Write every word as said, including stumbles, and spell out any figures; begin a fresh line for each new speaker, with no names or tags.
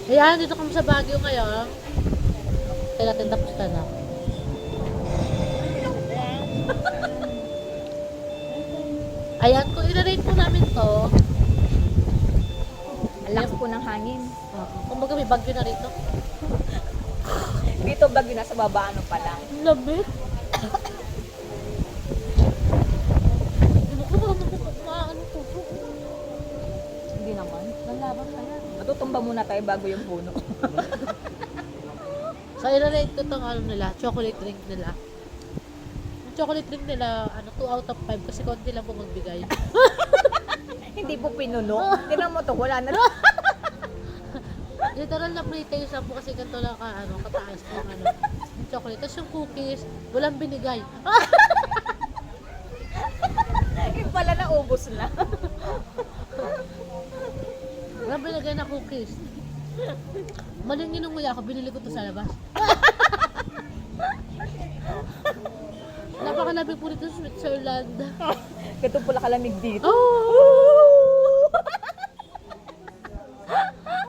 Ayan, dito kami sa Baguio ngayon. Kaya natin tapos ka na. Ayan, kung i-rate po namin to,
Ang lakas po ng hangin.
uh, kumbaga may bagyo na rito.
Dito bagyo nasa baba, ano pa lang.
Lamig. Ano ko ba ano ko?
Hindi naman.
Nalaban ka yan.
Matutumba muna tayo bago yung puno.
So, i-rate ko tong ano nila, chocolate drink nila. Yung chocolate drink nila, ano, two out of five kasi konti lang po magbigay.
Hindi po pinuno. Tinan mo to, wala na.
Literal na pre-taste lang po kasi ganito lang ka, ano, kataas yung ano, yung chocolate. Tapos yung cookies, walang binigay.
Yung pala naubos na.
Walang binigay na cookies. Maling inunguya ako, binili ko to sa labas. Napakalabi po dito sa Switzerland.
Ganito pala kalamig dito.
Oh!